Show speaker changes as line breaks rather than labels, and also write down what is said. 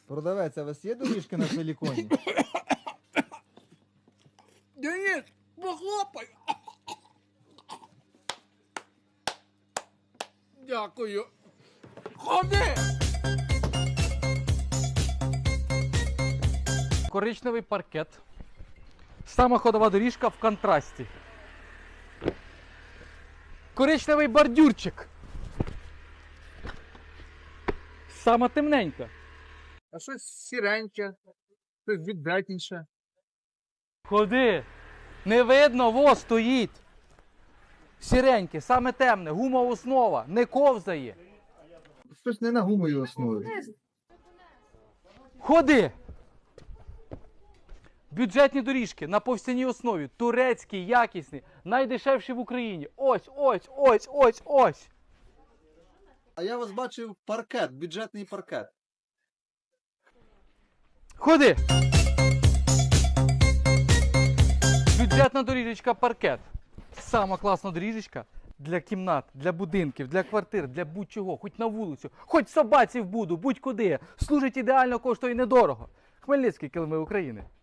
Продавець, а у вас є доріжки на силіконі?
Денис, похлопай. Дякую. Ходи!
Коричневий паркет. Сама ходова доріжка в контрасті. Коричневий бордюрчик. Сама темненька.
А щось сіреньке, щось віддатніше.
Ходи. Не видно, во стоїть. Сіреньке, саме темне, гумова основа, не ковзає.
Щось не на гумовій основі.
Ходи. Бюджетні доріжки на повстяній основі, турецькі, якісні, найдешевші в Україні. Ось, ось, ось, ось, ось.
А я вас бачив паркет, бюджетний паркет.
Ходи. Бюджетна доріжечка паркет. Сама класна доріжечка для кімнат, для будинків, для квартир, для будь-чого, хоч на вулицю, хоч собаці в буду, будь-куди. Служить ідеально, коштує недорого. Хмельницький, килими України.